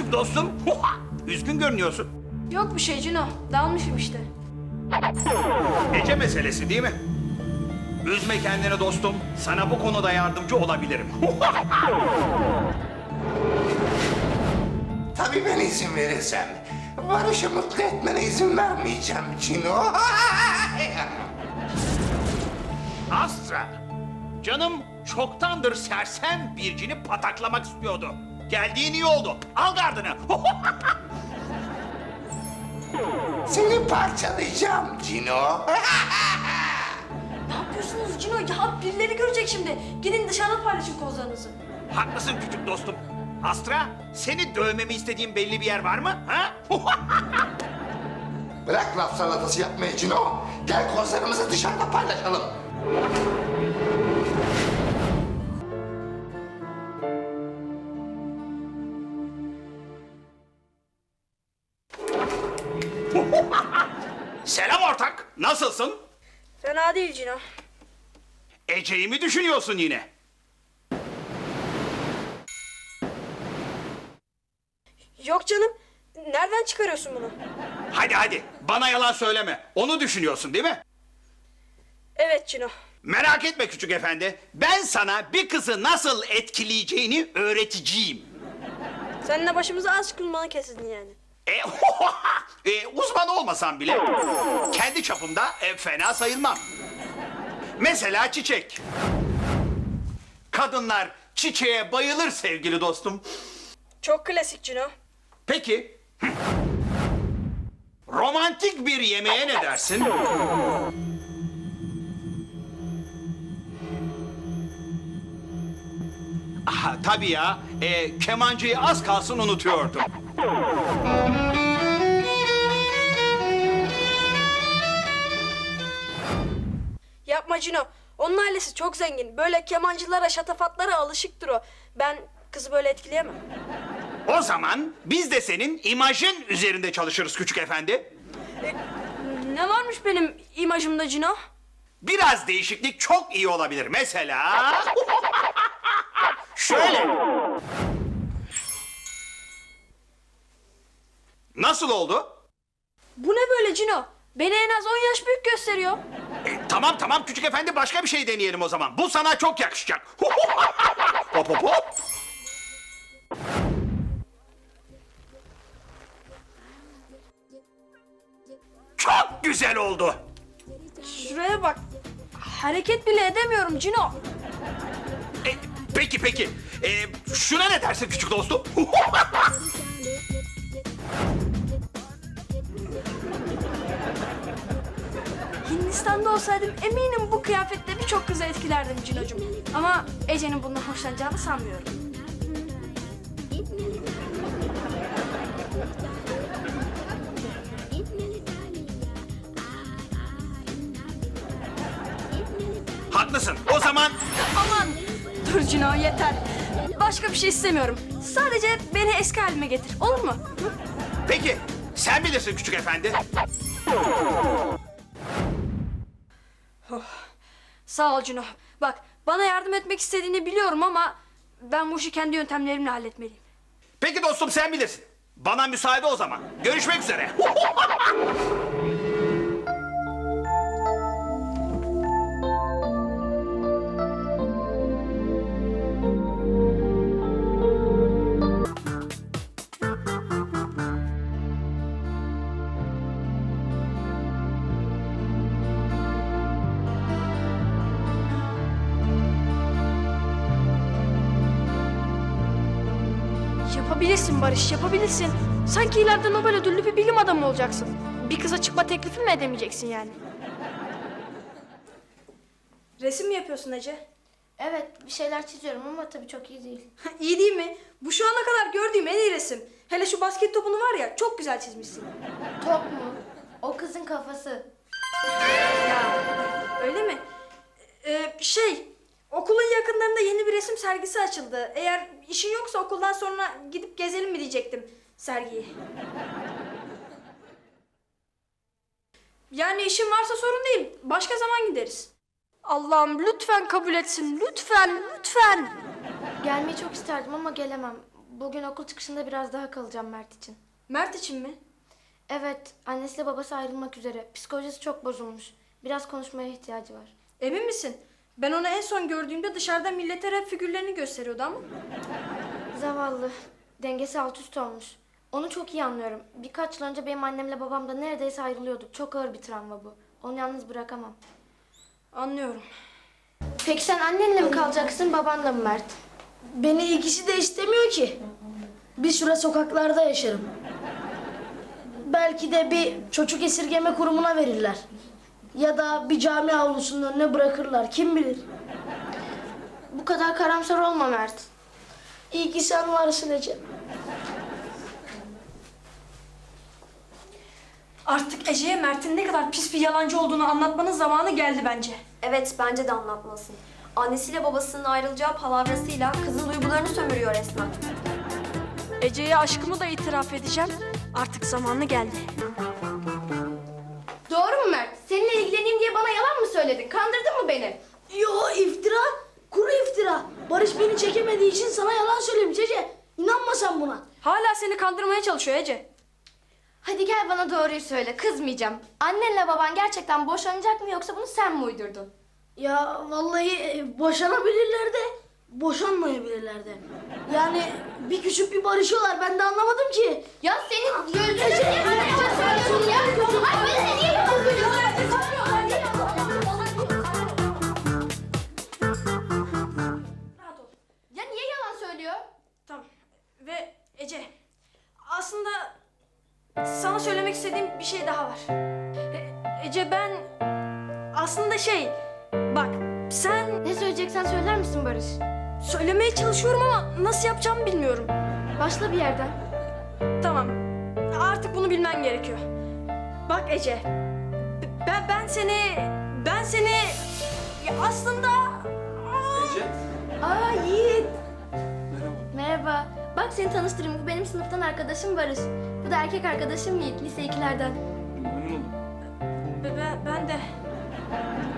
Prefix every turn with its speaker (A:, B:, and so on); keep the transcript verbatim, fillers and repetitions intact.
A: küçük dostum? Üzgün görünüyorsun.
B: Yok bir şey Cino. Dalmışım işte.
A: Ece meselesi değil mi? Üzme kendini dostum. Sana bu konuda yardımcı olabilirim.
C: Tabii ben izin verirsem. Barış'ı mutlu etmene izin vermeyeceğim Cino.
A: Astra. Canım çoktandır sersem bircini pataklamak istiyordu. Geldiğin iyi oldu. Al gardını.
C: Seni parçalayacağım Cino.
B: Ne yapıyorsunuz Cino? Ya birileri görecek şimdi. Gidin dışarıda paylaşın kozlarınızı.
A: Haklısın küçük dostum. Astra, seni dövmemi istediğin belli bir yer var mı? Ha?
C: Bırak laf salatası yapmayı Cino. Gel kozlarımızı dışarıda paylaşalım.
A: Selam ortak. Nasılsın?
B: Fena değil Cino.
A: Ece'yi mi düşünüyorsun yine?
B: Yok canım. Nereden çıkarıyorsun bunu?
A: Hadi hadi. Bana yalan söyleme. Onu düşünüyorsun değil mi?
B: Evet Cino.
A: Merak etme küçük efendi. Ben sana bir kızı nasıl etkileyeceğini öğreteceğim.
B: Seninle başımıza az kulmanı kesin yani.
A: E, e, uzman olmasam bile kendi çapımda e, fena sayılmam. Mesela çiçek. Kadınlar çiçeğe bayılır sevgili dostum.
B: Çok klasik Cino.
A: Peki, hı. romantik bir yemeğe ne dersin? Aha, tabii ya, e, kemancıyı az kalsın unutuyordum.
B: Yapma Cino. Onun ailesi çok zengin. Böyle kemancılara, şatafatlara alışıktır o. Ben kızı böyle etkileyemem.
A: O zaman biz de senin imajın üzerinde çalışırız küçük efendi.
B: Ne varmış benim imajımda Cino?
A: Biraz değişiklik çok iyi olabilir. Mesela... Şöyle. Nasıl oldu?
B: Bu ne böyle Cino? Beni en az on yaş büyük gösteriyor.
A: E, tamam tamam küçük efendi başka bir şey deneyelim o zaman. Bu sana çok yakışacak. Hop hop hop. Çok güzel oldu.
B: Şuraya bak. Hareket bile edemiyorum Cino.
A: E, peki peki. E, şuna ne dersin küçük dostum?
B: Hindistan'da olsaydım eminim bu kıyafetle birçok kızı etkilerdim Cino'cum. Ama Ece'nin bundan hoşlanacağını sanmıyorum.
A: Haklısın. O zaman
B: Aman! Dur Cino yeter. Başka bir şey istemiyorum. Sadece beni eski halime getir. Olur mu? Hı?
A: peki sen bilirsin küçük efendi.
B: Sağ ol Cino. Bak bana yardım etmek istediğini biliyorum ama ben bu işi kendi yöntemlerimle halletmeliyim.
A: Peki dostum sen bilirsin. Bana müsaade o zaman. Görüşmek üzere.
B: Yapabilirsin Barış, yapabilirsin. Sanki ileride Nobel ödüllü bir bilim adamı olacaksın. Bir kıza çıkma teklifi mi edemeyeceksin yani? Resim mi yapıyorsun Ece?
D: Evet, bir şeyler çiziyorum ama tabii çok iyi değil.
B: İyi değil mi? Bu şu ana kadar gördüğüm en iyi resim. Hele şu basket topunu var ya, çok güzel çizmişsin.
D: Top mu? O kızın kafası.
B: Ya, öyle mi? Ee, şey, okulun yakınlarında yeni bir resim sergisi açıldı. Eğer işin yoksa okuldan sonra gidip gezelim mi diyecektim sergiyi. Yani işin varsa sorun değil. Başka zaman gideriz. Allah'ım lütfen kabul etsin. Lütfen, lütfen.
D: Gelmeyi çok isterdim ama gelemem. Bugün okul çıkışında biraz daha kalacağım Mert için.
B: Mert için mi?
D: Evet, annesiyle babası ayrılmak üzere. Psikolojisi çok bozulmuş. Biraz konuşmaya ihtiyacı var.
B: Emin misin? Ben onu en son gördüğümde dışarıda millete rap figürlerini gösteriyordu ama.
D: Zavallı. Dengesi alt üst olmuş. Onu çok iyi anlıyorum. Birkaç yıl önce benim annemle babam da neredeyse ayrılıyorduk. Çok ağır bir travma bu. Onu yalnız bırakamam.
B: Anlıyorum.
D: Peki sen annenle mi kalacaksın, babanla mı Mert?
E: Beni ikisi de istemiyor ki. Bir süre sokaklarda yaşarım. Belki de bir çocuk esirgeme kurumuna verirler. Ya da bir cami avlusunun önüne bırakırlar. Kim bilir?
D: Bu kadar karamsar olma Mert.
E: İyi ki sen varsın Ece.
B: Artık Ece'ye Mert'in ne kadar pis bir yalancı olduğunu anlatmanın zamanı geldi bence.
F: Evet, bence de anlatmasın. Annesiyle babasının ayrılacağı palavrasıyla kızın duygularını sömürüyor resmen.
B: Ece'ye aşkımı da itiraf edeceğim. Artık zamanı geldi.
D: Doğru mu Mert? Seninle ilgileneyim diye bana yalan mı söyledin? Kandırdın mı beni?
E: Yo, iftira. Kuru iftira. Barış beni çekemediği için sana yalan söylemiş Ece. İnanma sen buna.
B: Hala seni kandırmaya çalışıyor Ece.
D: Hadi gel bana doğruyu söyle, kızmayacağım. Annenle baban gerçekten boşanacak mı yoksa bunu sen mi uydurdun?
E: Ya vallahi e, boşanabilirler de boşanmayabilirler de. Yani bir küçük bir barışıyorlar. Ben de anlamadım ki.
D: Ya senin gözünü niye bana yalan söylüyorsun ya? Ay beni niye yalan söylüyorsun?
B: Rahat ol.
D: Ya niye yalan söylüyor?
B: Tamam. Ve Ece, aslında sana söylemek istediğim bir şey daha var. E- Ece ben aslında şey, bak sen
D: Ne söyleyeceksen söyler misin Barış?
B: söylemeye çalışıyorum ama nasıl yapacağımı bilmiyorum.
D: Başla bir yerden.
B: Tamam, artık bunu bilmen gerekiyor. Bak Ece, b- ben ben seni, ben seni ya aslında
A: Ece.
D: Aa Yiğit. Merhaba. Bak seni tanıştırayım. Bu benim sınıftan arkadaşım Barış. Bu da erkek arkadaşım Yiğit. Lise ikilerden.
B: be- be- ben de